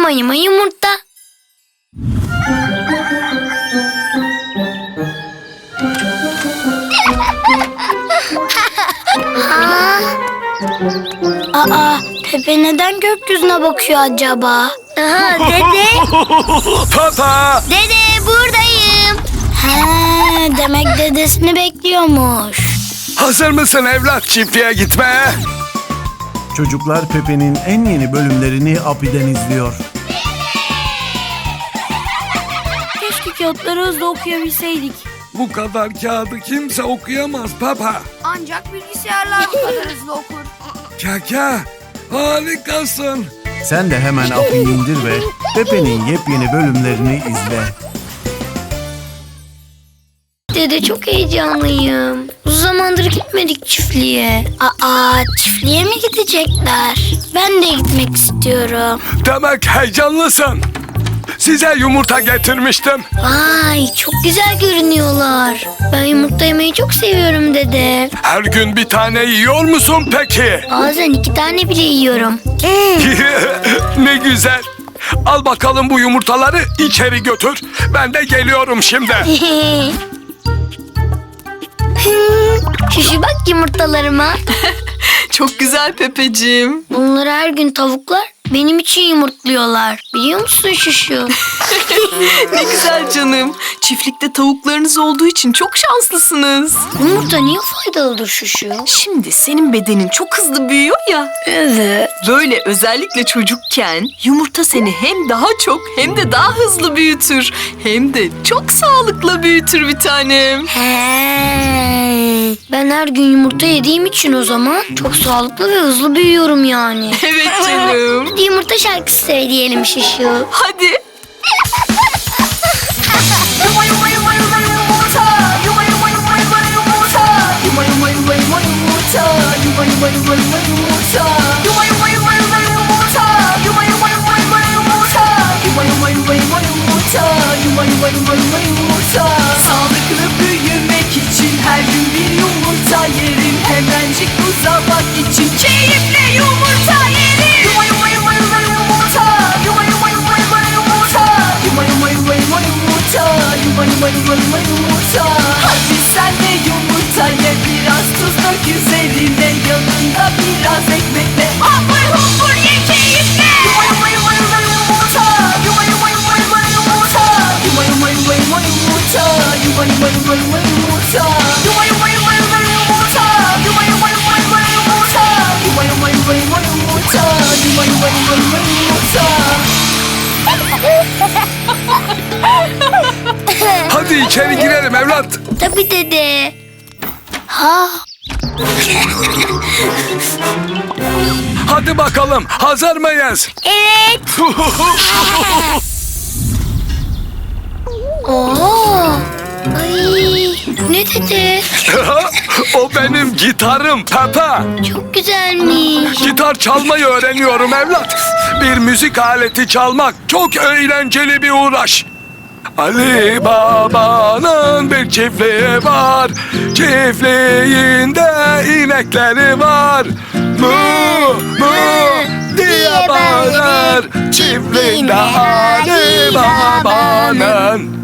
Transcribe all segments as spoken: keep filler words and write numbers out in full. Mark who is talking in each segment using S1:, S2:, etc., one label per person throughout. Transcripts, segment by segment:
S1: Yuma yuma yumurta. Ha? Aa, Pepe neden gökyüzüne bakıyor acaba? Aha, dede.
S2: Papa!
S1: Dede, buradayım. He, demek dedesini bekliyormuş.
S2: Hazır mısın evlat çiftliğe gitmeye?
S3: Çocuklar Pepe'nin en yeni bölümlerini Api'den izliyor.
S1: Keşke kağıtları hızlı okuyabilseydik.
S2: Bu kadar kağıdı kimse okuyamaz Papa.
S4: Ancak bilgisayarlar bu kadar hızlı okur.
S2: Kaka, harikasın.
S3: Sen de hemen Api'yi indir ve Pepe'nin yepyeni bölümlerini izle.
S1: Dede, çok heyecanlıyım. Uzun zamandır gitmedik çiftliğe. Aa, çiftliğe mi gidecekler? Ben de gitmek istiyorum.
S2: Demek heyecanlısın. Size yumurta getirmiştim.
S1: Vay, çok güzel görünüyorlar. Ben yumurta yemeyi çok seviyorum dede.
S2: Her gün bir tane yiyor musun peki?
S1: Bazen iki tane bile yiyorum.
S2: Ne güzel. Al bakalım bu yumurtaları içeri götür. Ben de geliyorum şimdi.
S1: Şuşu, bak yumurtalarıma.
S4: Çok güzel Pepeciğim.
S1: Bunları her gün tavuklar benim için yumurtluyorlar. Biliyor musun Şuşu?
S4: Ne güzel canım. Çiftlikte tavuklarınız olduğu için çok şanslısınız.
S1: Yumurta niye faydalıdır Şuşu?
S4: Şimdi senin bedenin çok hızlı büyüyor ya.
S1: Evet.
S4: Böyle özellikle çocukken yumurta seni hem daha çok hem de daha hızlı büyütür. Hem de çok sağlıklı büyütür bir tanem.
S1: He. Ben her gün yumurta yediğim için o zaman çok sağlıklı ve hızlı büyüyorum yani.
S4: Evet canım.
S1: Hadi yumurta şarkısı söyleyelim Şuşu.
S4: Hadi.
S5: Yuma yuma yuma yuma yumurta, yuma yuma yuma yuma yumurta, yuma yuma yuma yuma yumurta, yuma yuma yuma yuma yumurta, yuma yuma yuma yuma yumurta, yuma yuma yuma yuma yumurta, yuma yuma yuma yuma yumurta, yuma yuma yuma yuma yumurta. Sağlıklı büyümek için her gün bir yumurta yerim, hemencik uzamak için keyifle yumurta yerim. Yuma yuma yuma yuma yumurta, yuma yuma yuma yuma yumurta, yuma yuma yuma yuma yumurta, yuma yuma yuma yuma yumurta. Hadi sen de yumurta ye, biraz tuz dök üzerine, yanında biraz ekmekle hapur hupur ye keyifle. Yuma yuma yuma yuma yumurta, yuma yuma yuma yuma yumurta, yuma yuma yuma yuma yumurta, yuma yuma yuma yuma yumurta, yuma yuma yuma yuma yumurta, yuma yuma yuma yuma yumurta, yuma yuma yuma yuma yumurta, yuma yuma yuma yuma yumurta.
S2: Hadi içeri girelim evlat.
S1: Tabii dede. Ha.
S2: Hadi bakalım, hazır mıyız?
S1: Evet. Oo. Ay, ne dede?
S2: O benim gitarım Papa.
S1: Çok güzelmiş.
S2: Gitar çalmayı öğreniyorum evlat. Bir müzik aleti çalmak çok eğlenceli bir uğraş. Ali Baba'nın bir çiftliği var. Çiftliğinde inekleri var. Mu mu diye bağırır. Çiftliğinde Ali Baba'nın.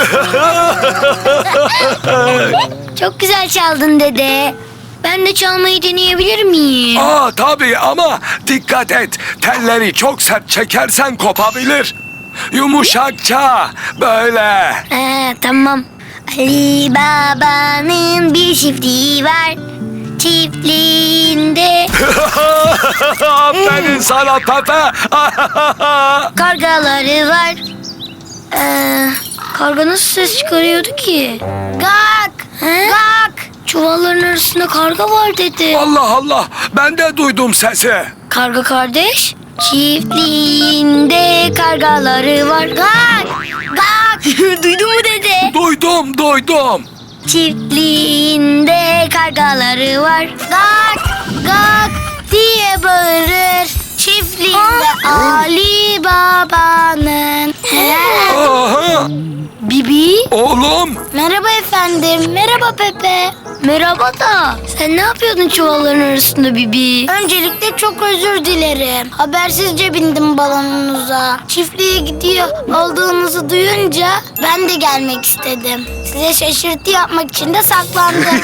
S1: Çok güzel çaldın dede. Ben de çalmayı deneyebilir miyim?
S2: Aa tabii ama dikkat et. Telleri çok sert çekersen kopabilir. Yumuşakça böyle.
S1: Ee, tamam. Ali Baba'nın bir çiftliği var. Çiftliğinde
S2: Aferin sana Pepe.
S1: kargaları var. Ee, karga nasıl ses çıkarıyordu ki? Gak! Gak! Çuvalların arasında karga var dedi.
S2: Allah Allah, ben de duydum sesi.
S1: Karga kardeş, çiftliğinde kargaları var. Gak! Gak! Duydun mu dede?
S2: Duydum, duydum.
S1: Çiftliğinde kargaları var. Gak! Gak! diye bağırır. Çiftliğinde Ali Baba'nın.
S2: Aha,
S1: Bibi.
S2: oğlum.
S1: Merhaba efendim. Merhaba Pepe. Merhaba da. Sen ne yapıyordun çuvalların arasında Bibi? Öncelikle çok özür dilerim. Habersizce bindim balonunuza. Çiftliğe gidiyor olduğunuzu duyunca ben de gelmek istedim. Size şaşırtı yapmak için de saklandım.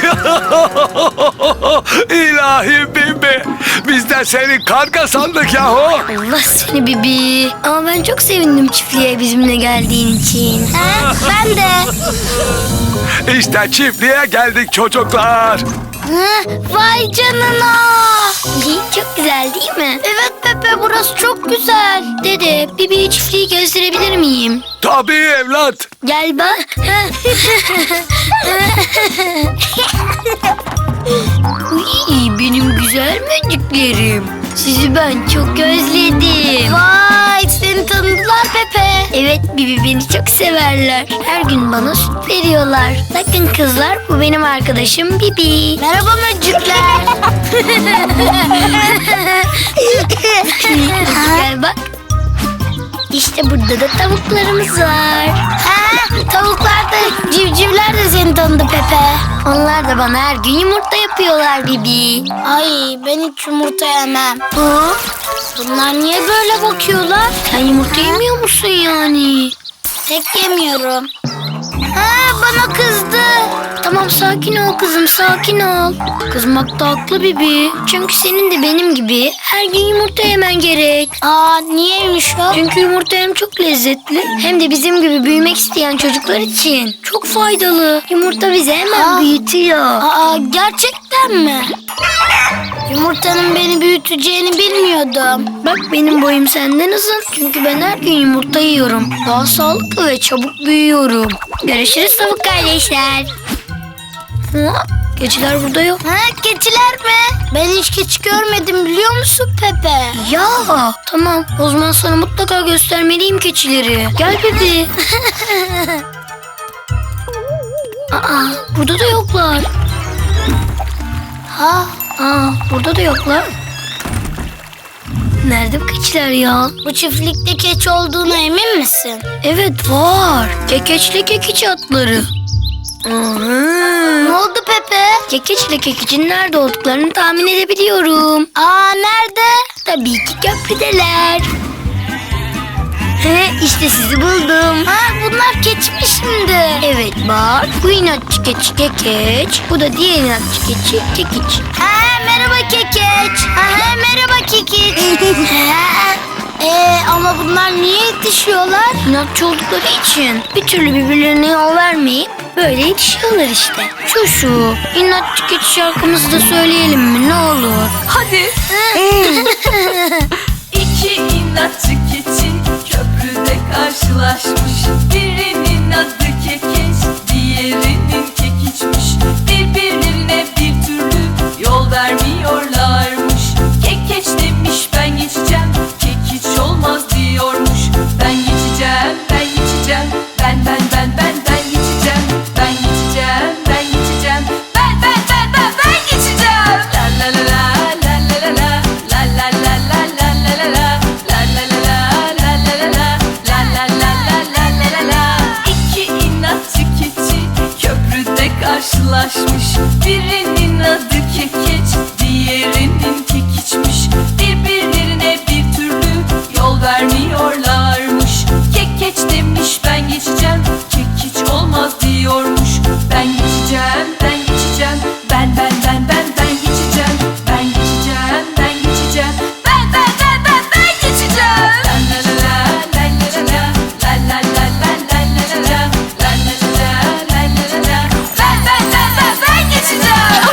S2: İlahi Bibi. Biz de seni karga sandık yahu.
S1: Allah seni Bibi. Ama ben çok sevindim çiftliğe bizimle geldiğin için. Ha, ben de.
S2: İşte çiftliğe geldik çocuklar.
S1: Hı, vay canına. Çok güzel değil mi? Evet Pepe, burası çok güzel. Dede, Bibi'ye çiftliği gösterebilir miyim?
S2: Tabii evlat.
S1: Gel bak. Uy, benim güzel möcüklerim. Sizi ben çok özledim. Vay, seni tanıdılar Pepe. Evet Bibi, beni çok severler. Her gün bana süt veriyorlar. Bakın kızlar, bu benim arkadaşım Bibi. Merhaba möcükler. Gel bak. İşte burada da tavuklarımız var. Ha, tavuklar da, civcivler de seni tanıdı Pepe. Onlar da bana her gün yumurta yapıyorlar Bibi. Ay, ben hiç yumurta yemem. Ha? Bunlar niye böyle bakıyorlar? Sen yumurta yemiyor musun yani? Pek yemiyorum. Ha, bana kızdı. Tamam, sakin ol kızım, sakin ol. Kızmakta haklı Bibi. Çünkü senin de benim gibi her gün yumurta yemen gerek. Aa, niyeymiş o? Çünkü yumurta hem çok lezzetli hem de bizim gibi büyümek isteyen çocuklar için çok faydalı. Yumurta bizi hemen
S5: Aa.
S1: büyütüyor. Aa, gerçekten mi? Yumurtanın beni büyüteceğini bilmiyordum. Bak, benim boyum senden uzun. Çünkü ben her gün yumurta yiyorum. Daha sağlıklı ve çabuk büyüyorum. Görüşürüz tavuk kardeşler. Ha, keçiler burada yok. Ha, keçiler mi? Ben hiç keçi görmedim, biliyor musun Pepe? Ya tamam, o zaman sana mutlaka göstermeliyim keçileri. Gel Pepe. Aa, burada da yoklar. Ha, aa, burada da yoklar. Nerede bu keçiler ya? Bu çiftlikte keçi olduğuna emin misin? Evet, var. Kekeçle kekiç atları. Ne oldu Pepe? Kekeçle kekicin nerede olduklarını tahmin edebiliyorum. Aa, nerede? Tabii ki köprüdeler. He, işte sizi buldum. Ha, bunlar keçi mi şimdi? Evet bak, bu inatçı keçi Kekeç, bu da diğer inatçı keçi Kekiç. Ha, merhaba Kekeç. Ha, merhaba Kekiç. Ee, ama bunlar niye yetişiyorlar? İnatçı oldukları için. Bir türlü birbirlerine yol vermeyip böyle yetişiyorlar işte. Şu şu, inatçı keçi şarkımızı da söyleyelim mi, ne olur?
S4: Hadi. İki inatçı keçi köprüde karşılaşmış. Birinin adı Kekeç, diğerinin Kekiçmiş. Birbirlerine bir türlü yol vermiyorlarmış. Kekeç demiş ben geçeceğim, Kekiç olmaz diyormuş. Ben geçeceğim, ben geçeceğim, ben ben ben ben ben geçeceğim. Ben geçeceğim, ben geçeceğim, ben ben ben ben ben geçeceğim. La la la la la la la la la la la la la la la la. La la la la la la la la. La la la la la la la la. İki inatçı keçi köprüde karşılaşmış. Birinin adı Kekeç, diğerinin Kekiçmiş. Birbirlerine bir türlü yol vermiyorlarmış. Kekeç demiş ben geçeceğim, Kekiç olmaz diyormuş. Ben geçeceğim, ben geçeceğim, ben ben ben ben ben geçeceğim. Ben geçeceğim, ben geçeceğim, ben ben ben ben ben geçeceğim. La la la la la la la la la la la la la la la. La la la la la la la la. Ben ben ben ben ben geçeceğim.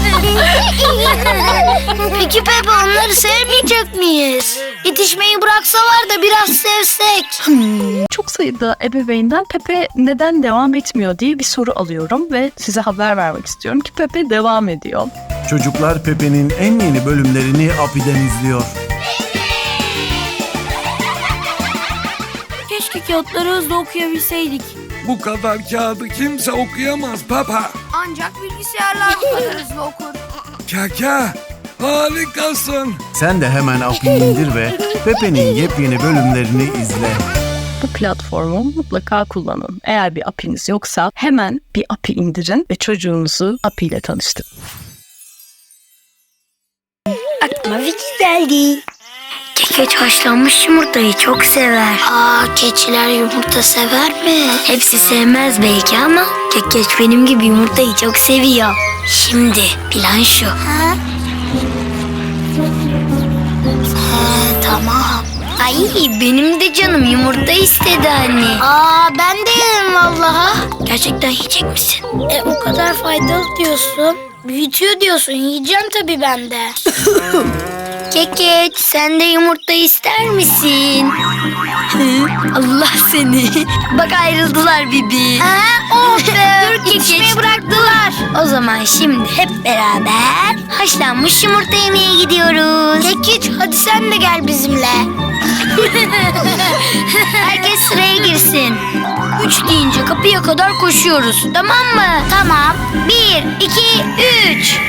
S1: Peki Pepe, onları sevmeyecek miyiz? Yetişmeyi bıraksalar da biraz sevsek.
S6: Çok sayıda ebeveynden Pepe neden devam etmiyor diye bir soru alıyorum ve size haber vermek istiyorum ki Pepe devam ediyor.
S3: Çocuklar Pepe'nin en yeni bölümlerini Api'den izliyor.
S1: Keşke kağıtları hızlı okuyabilseydik.
S2: Bu kadar kağıdı kimse okuyamaz Papa.
S5: Ancak bilgisayarlar bu kadar hızlı okur.
S2: Kaka, harikasın.
S3: Sen de hemen Api'yi indir ve Pepe'nin yepyeni bölümlerini izle.
S6: Bu platformu mutlaka kullanın. Eğer bir app'iniz yoksa hemen bir app'i indirin ve çocuğunuzu app ile tanıştırın.
S1: Aklıma fikir geldi. Kekeç haşlanmış yumurtayı çok sever. Aa, keçiler yumurta sever mi? Hepsi sevmez belki ama Kekeç benim gibi yumurtayı çok seviyor. Şimdi plan şu. Ha? Ha, tamam. Ay, benim de canım yumurta istedi anne. Aa, ben de yerim vallaha. Gerçekten yiyecek misin? E, o kadar faydalı diyorsun. Büyütüyor diyorsun. Yiyeceğim tabii ben de. Kekeç, sen de yumurta ister misin? Allah seni. Bak ayrıldılar Bibi. Ha, oh be. Dur Kekeç. bıraktılar. O zaman şimdi hep beraber haşlanmış yumurta yemeye gidiyoruz. Kekeç, hadi sen de gel bizimle. Herkes sıraya girsin. Üç deyince kapıya kadar koşuyoruz. Tamam mı? Tamam. Bir, iki, üç.